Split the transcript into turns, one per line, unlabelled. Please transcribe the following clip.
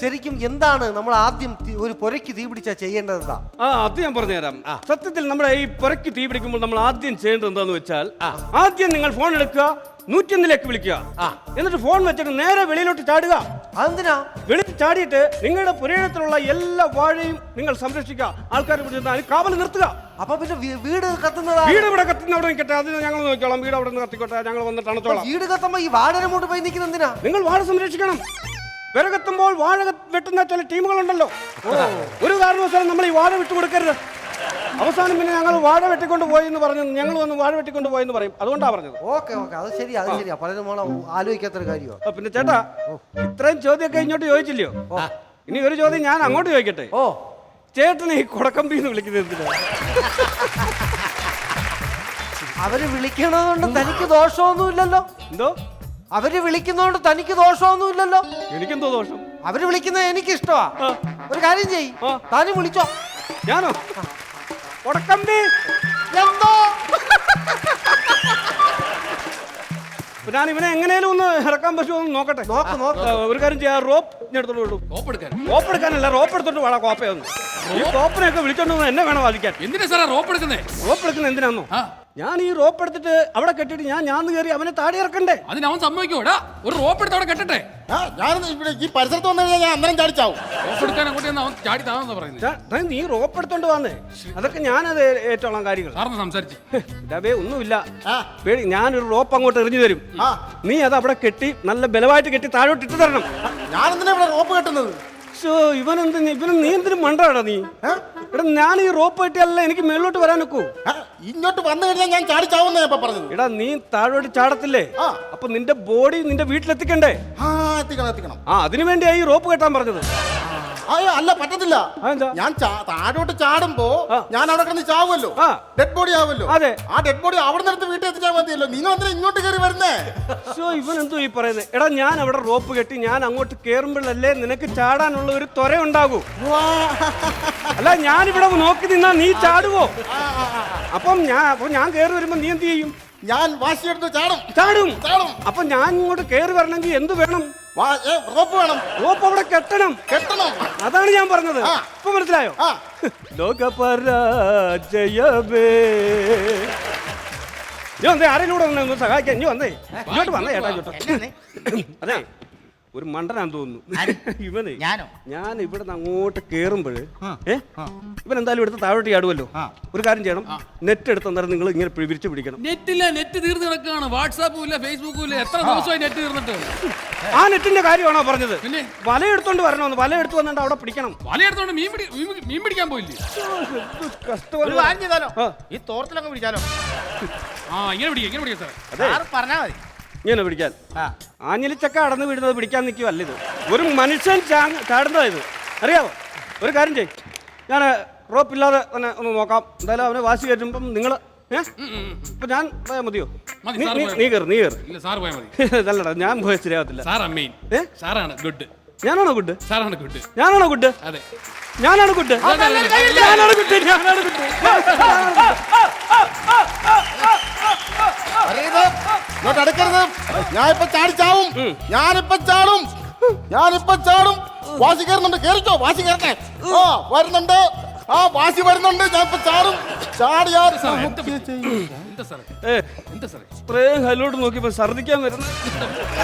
ശരിക്കും എന്താണ് നമ്മൾ ആദ്യം ഒരു പുരയ്ക്ക് തീ പിടിച്ചാൽ ചെയ്യേണ്ടത് എന്താ?
അത് ഞാൻ പറഞ്ഞുതരാം. സത്യത്തിൽ നമ്മുടെ ഈ പുരയ്ക്ക് തീ പിടിക്കുമ്പോൾ നമ്മൾ ആദ്യം ചെയ്യേണ്ടത് എന്താന്ന് വെച്ചാൽ, ആദ്യം നിങ്ങൾ ഫോൺ എടുക്കുക, 101 വിളിക്കുക, എന്നിട്ട് ഫോൺ വെച്ചിട്ട് നേരെ വെളിയിലോട്ട് ചാടുക.
അതെന്തിനാ?
വെളിയിൽ ചാടിയിട്ട് നിങ്ങളുടെ പുരയിടത്തിലുള്ള എല്ലാ വാഴയും നിങ്ങൾ സംരക്ഷിക്കുക, ആൾക്കാരെ പിടിച്ചിട്ട് കാവൽ നിർത്തുക.
അപ്പൊ പിന്നെ വീട് കത്തുന്നതാ?
വീട് ഇവിടെ കത്തുന്ന അവിടെ നിൽക്കട്ടെ, അത് ഞങ്ങൾ നോക്കിക്കോളാം. വീട് അവിടെ നിന്ന് കത്തിക്കോട്ടെ, ഞങ്ങൾ വന്നിട്ട് അണച്ചോളാം.
വീട് കത്തുമ്പോ ഈ വാഴയുടെ മുകളിൽ പോയി നിൽക്കുന്ന എന്തിനാ?
നിങ്ങൾ വാഴ സംരക്ഷിക്കണം. വിറകെത്തുമ്പോൾ വാഴ വെട്ടുന്ന ചില ടീമുകളുണ്ടല്ലോ, ഒരു കാരണവശാലും നമ്മൾ ഈ വാഴ വിട്ടുകൊടുക്കരുത്. അവസാനം പിന്നെ ഞങ്ങൾ വാഴ വെട്ടിക്കൊണ്ട് പോയി എന്ന് പറഞ്ഞു, ഞങ്ങൾ വന്ന് വാഴ വെട്ടിക്കൊണ്ട് പോയെന്ന് പറയും. അതുകൊണ്ടാണ് പറഞ്ഞത്.
ഓക്കെ അത് ശരിയാ, അത് ശരിയാ. പലരും ആലോചിക്കാത്തൊരു കാര്യമാണ്.
പിന്നെ ചേട്ടാ, ഇത്രയും ചോദ്യമൊക്കെ ഇങ്ങോട്ട് ചോദിച്ചില്ലയോ? ഇനി ഒരു ചോദ്യം ഞാൻ അങ്ങോട്ട് ചോദിക്കട്ടെ. ചേട്ടനെ ഈ കൊടക്കമ്പിന്ന് വിളിക്കുന്നത് എന്തിനാ?
അവര് വിളിക്കണതുകൊണ്ട് തനിക്ക് ദോഷമൊന്നുമില്ലല്ലോ.
എന്തോ?
അവര് വിളിക്കുന്നതുകൊണ്ട് തനിക്ക് ദോഷമൊന്നുമില്ലല്ലോ.
എനിക്കെന്തോ ദോഷം?
അവര് വിളിക്കുന്നത് എനിക്ക് ഇഷ്ടമാ. ഒരു കാര്യം ചെയ്യ്, താനും വിളിച്ചോ.
ഞാനോ? കൊടക്കമ്പി
എന്തോ?
ഞാൻ ഇവനെ എങ്ങനെയാലും ഒന്ന് ഇറക്കാൻ പറ്റുമോ എന്ന് നോക്കട്ടെ. ഒരു കാര്യം ചെയ്യാം, റോപ്പ് എടുത്തോണ്ട് വിടും. റോപ്പ് എടുക്കാനല്ല, റോപ്പ് എടുത്തോണ്ട് വേണം കോപ്പയൊന്നും. ഈ കോപ്പനെയൊക്കെ വിളിച്ചോണ്ട് എന്നെ വേണം വാദിക്കാൻ.
എന്തിനാ സാറേ റോപ്പ് എടുക്കുന്നേ?
റോപ്പ് എടുക്കുന്നത് എന്തിനാന്നോ? ഞാൻ ഈ റോപ്പ് എടുത്തിട്ട് അവിടെ കെട്ടിട്ട് ഞാൻ കയറി അവനെ താടി ഇറക്കണ്ടേ?
അതിന് അവൻ സമ്മതിക്കോടാ? ഒരു റോപ്പ് എടുത്ത് അവിടെ കെട്ടട്ടെ.
ഞാൻ ഇവിടെ ഈ പരിസരത്ത് വന്നു കഴിഞ്ഞാൽ ഞാൻ അന്നേരം ചാടിച്ചാവും.
റോപ്പ് എടുക്കാൻ അങ്ങോട്ട് അവൻ ചാടി താമെന്നാ പറയുന്നത്.
നീ റോപ്പ് എടുത്തോണ്ട് വന്നേ, അതൊക്കെ ഞാനത് ഏറ്റോളാം കാര്യങ്ങൾ.
സാറിന് സംസാരിച്ച്
ഇതേ ഒന്നുമില്ല, പേടി. ഞാനൊരു റോപ്പ് അങ്ങോട്ട് എറിഞ്ഞു തരും, നീ അത് അവിടെ കെട്ടി നല്ല ബലമായിട്ട് കെട്ടി താഴോട്ട് ഇട്ട് തരണം.
ഞാൻ എന്തിനാ ഇവിടെ റോപ്പ് കെട്ടുന്നത്?
ഇവന് നീ എന്തിനും മണ്ടാടാ നീ? എടാ, ഞാൻ ഈ റോപ്പ് കെട്ടിയല്ല എനിക്ക് മേലോട്ട് വരാൻ നോക്കൂ.
ഇങ്ങോട്ട് വന്നു കഴിഞ്ഞാൽ ഞാൻ ചാടിച്ചാവുന്ന ഞാൻ പറഞ്ഞത്.
എടാ, നീ താഴോട്ട് ചാടത്തില്ലേ? അപ്പൊ നിന്റെ ബോഡി നിന്റെ വീട്ടിലെത്തിക്കണ്ടേ?
എത്തിക്കണം.
അതിനു വേണ്ടിയാ ഈ റോപ്പ് കെട്ടാൻ പറഞ്ഞത്.
അയ്യോ അല്ല, പറ്റത്തില്ല. ഞാൻ താഴോട്ട് ചാടുമ്പോ ഞാൻ അവിടെ കിടന്ന് ചാവുമല്ലോ, ഡെഡ് ബോഡി ആവുമല്ലോ.
അതെ,
ആ ഡെഡ് ബോഡി അവിടെ നിന്ന് വീട്ടിൽ എത്തിച്ചാൽ മതിയല്ലോ. നിങ്ങൾ എന്തിനാ ഇങ്ങോട്ട് കയറി വരുന്നേ?
ഇവൻ എന്തോ ഈ പറയുന്നത്? എടാ, ഞാൻ അവിടെ റോപ്പ് കെട്ടി ഞാൻ അങ്ങോട്ട് കേറുമ്പോഴല്ലേ നിനക്ക് ചാടാനുള്ള ഒരു ത്വര ഉണ്ടാകൂ. അല്ല, ഞാനിവിടെ നോക്കി നിന്നാ നീ ചാടുവോ? അപ്പം ഞാൻ കയറി വരുമ്പോ നീ എന്ത് ചെയ്യും?
ഞാൻ വാശിയെടുത്ത്
ചാടും. അപ്പൊ ഞാൻ ഇങ്ങോട്ട് കയറി വരണമെങ്കിൽ എന്ത് വേണം?
റോപ്പ് വേണം.
റോപ്പ് അവിടെ കെട്ടണം. അതാണ് ഞാൻ പറഞ്ഞത്. ഇപ്പൊ മനസ്സിലായോ? ലോകപരാജയമേ. നീ വന്നേ, ആരെങ്കിലും കൂടെ ഒന്ന് സഹായിക്കാൻ. നീ വന്നേ, ഇങ്ങോട്ട് വന്നേ ചേട്ടാ, ഇങ്ങോട്ട്. അതെ, ഒരു മണ്ടനാന്ന് തോന്നുന്നു ഇവന്. ഞാൻ ഇവിടെ നിന്ന് അങ്ങോട്ട് കേറുമ്പോഴ് ഇവൻ എന്തായാലും എടുത്ത് താഴോട്ട് ചാടുമല്ലോ. ഒരു കാര്യം ചെയ്യണം, നെറ്റ് എടുത്ത് അന്നേരം നിങ്ങൾ ഇങ്ങനെ വിരിച്ചു പിടിക്കണം.
നെറ്റ് തീർന്നു കിടക്കുകയാണ്. വാട്സാപ്പും ഇല്ല, ഫേസ്ബുക്കും ഇല്ല. എത്ര ദിവസമായി നെറ്റ് തീർന്നിട്ട്?
ആ നെറ്റിന്റെ കാര്യമാണോ പറഞ്ഞത്? പിന്നെ വല എടുത്തോണ്ട് വരണമെന്ന്. വല എടുത്ത് വന്നിട്ട് അവിടെ പിടിക്കണം.
വല എടുത്തോണ്ട് മീൻ പിടിക്കാൻ പോയില്ലേ?
ഈ തോർത്തിലങ്ങ് പിടിച്ചാലോ?
ഇങ്ങനെ പിടിക്കാം സാർ.
പറഞ്ഞാ മതി
ഇങ്ങനെ പിടിക്കാൻ. ആഞ്ഞിലിച്ചക്ക അടന്ന് വീടുന്നത് പിടിക്കാൻ നിൽക്കുവല്ല ഇത്. ഒരു മനുഷ്യൻ ചാടുന്നതാ ഇത്, അറിയാവോ? ഒരു കാര്യം ചെയ്യും, ഞാൻ റോപ്പില്ലാതെ തന്നെ ഒന്ന് നോക്കാം. എന്തായാലും അവനെ വാശി കയറ്റുമ്പം നിങ്ങൾ ഇപ്പൊ ഞാൻ പോയാൽ മതിയോ? നീ കയറി. നല്ലടാ, ഞാൻ പോയാൽ ശരിയാവത്തില്ല.
സാറാണ് ഗുഡ്.
ഞാനാണോ ഗുഡ്?
സാറാണ് ഗുഡ്.
ഞാനാണോ ഗുഡ്?
അതെ,
ഞാനാണ് ഗുഡ്.
ഇങ്ങോട്ട് അടുക്കരുത്. ഞാനിപ്പോ ചാടിച്ചാവും. ഞാനിപ്പോ ചാടും. വാശി കയറുന്നുണ്ട്. കേറിക്കോ, വാശി കയറട്ടെ. വരുന്നുണ്ട്. വാശി വരുന്നുണ്ട്. ഞാനിപ്പോ ചാടും.
ഇത്രയും കല്ലോട്ട് നോക്കിയപ്പോ ഛർദിക്കാൻ വരുന്നു.